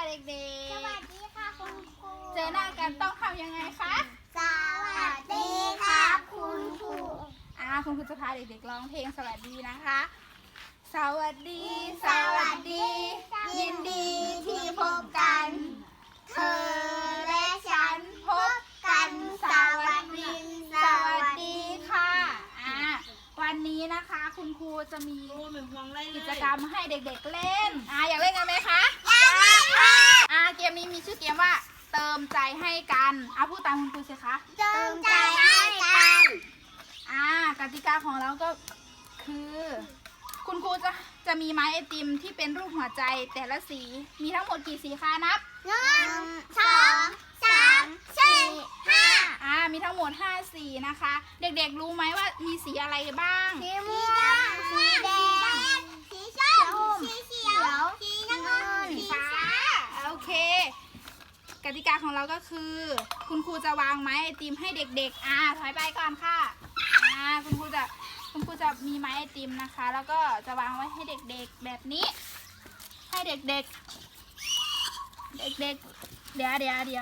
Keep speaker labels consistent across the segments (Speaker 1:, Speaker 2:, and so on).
Speaker 1: เด็กๆ
Speaker 2: สวัสดีค่ะคุณครู
Speaker 1: เจอหน้ากันต้องทำยังไงคะ
Speaker 2: สวัสดีครับคุณครู
Speaker 1: คุณครูจะพาเด็กๆร้องเพลงสวัสดีนะคะ สวัสดี สวัสดี ยินดีที่พบกัน เธอและฉันพบกันสวัสดี สวัสดีค่ะวันนี้นะคะคุณครูจะมีกิจกรรมให้เด็กๆเล่นอยากเล่นกันไหมคะอยากเล่นค่ะเกมนี้มีชื่อเกมว่าเติมใจให้กันพูดตามคุณครูสิคะ
Speaker 2: เติมใจให้กัน
Speaker 1: กติกาของเราก็คือคุณครูจะมีไม้ไอติมที่เป็นรูปหัวใจแต่ละสีมีทั้งหมดกี่สีคะนับ
Speaker 2: 1 2 3 4 5
Speaker 1: มีทั้งหมด5สีนะคะ เด็กๆรู้ไหมว่ามีสีอะไรบ้าง
Speaker 2: สีม่วงสีแดงสีส้มสีเขียวสีน้ำเงินสีฟ้า
Speaker 1: โอเคกติกาของเราก็คือคุณครูจะวางไม้ไอติมให้เด็กๆถอยไปก่อนค่ะคุณครูจะมีไม้ไอติมนะคะ แล้วก็จะวางไว้ให้เด็กๆแบบนี้ให้เด็กๆเดี๋ยว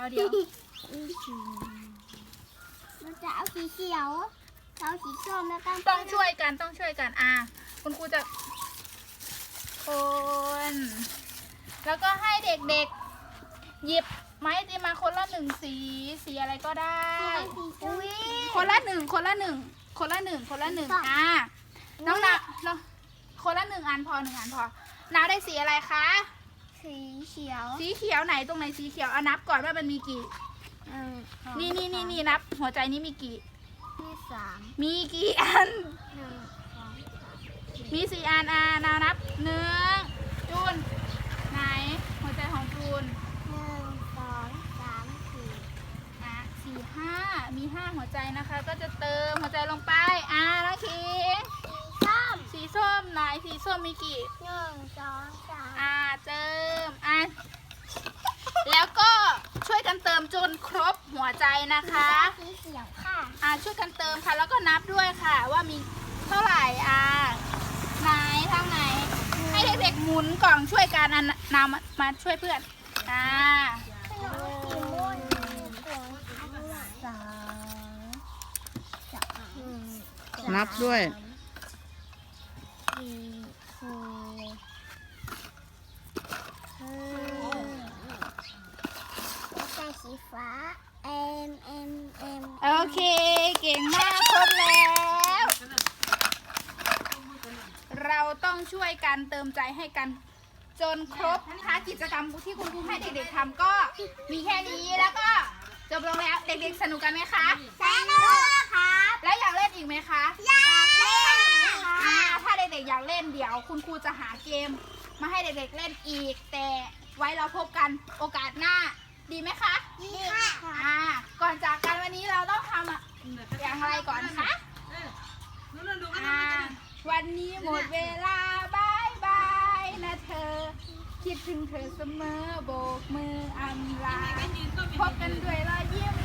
Speaker 2: เราจะเอาสีเขียวเอาสีส้มแล้วกัน
Speaker 1: ต้องช่วยกันคุณครูจะคนแล้วก็ให้เด็กๆหยิบไม้ไอติมมาคนละ1สีอะไรก็ได้คนละหนึ่งน้องนาคนละ1 อันพอนาได้สีอะไรคะ
Speaker 2: สีเขียว
Speaker 1: สีเขียวไหนตรงไหนสีเขียวนับก่อนว่ามันมีกี่นี่นับหัวใจนี้มีกี่
Speaker 2: ที่3
Speaker 1: มีกี่อัน
Speaker 2: 1 2
Speaker 1: มี4 อันนาวนับ1จูนไหนหัวใจของจูน
Speaker 2: 1 2 3 4
Speaker 1: 4 5มี5หัวใจนะคะ ก็จะเติมหัวใจลงไปน้องคิง สีส้มไหนสีส้มมีกี่
Speaker 2: 1 2 3
Speaker 1: เติมแล้วก็ช่วยกันเติมจนครบหัวใจนะคะ
Speaker 2: สีเขียวค่ะ
Speaker 1: ช่วยกันเติมค่ะแล้วก็นับด้วยค่ะว่ามีเท่าไหร่ไหนทางไหนให้เด็กๆหมุนกล่องช่วยกันนำมาช่วยเพื่อน
Speaker 3: นับด้วย
Speaker 2: สีฟ้า M
Speaker 1: โอเคเก่งมากครบแล้ว เราต้องช่วยกันเติมใจให้กันจนครบนะคะกิจกรรมที่คุณครูให้เด็กๆทำก็มีแค่นี้แล้วก็จบลงแล้วเด็กๆสนุกกันไหมคะ
Speaker 2: สนุกครับ
Speaker 1: แล้วอยากเล่นอีกไหมคะ
Speaker 2: อยากเล่นค่ะ
Speaker 1: ถ้าเด็กๆอยากเล่นเดี๋ยวคุณครูจะหาเกมมาให้เด็กๆเล่นอีกแต่ไว้เราพบกันโอกาสหน้าดีไหมคะ
Speaker 2: ดีค่ะ
Speaker 1: ก่อนจากกันวันนี้เราต้องทำอย่างไรก่อนคะวันนี้หมดเวลาบายบายนะเธอคิดถึงเธอเสมอโบกมืออำลาพบกันด้วยรอยยิ้ม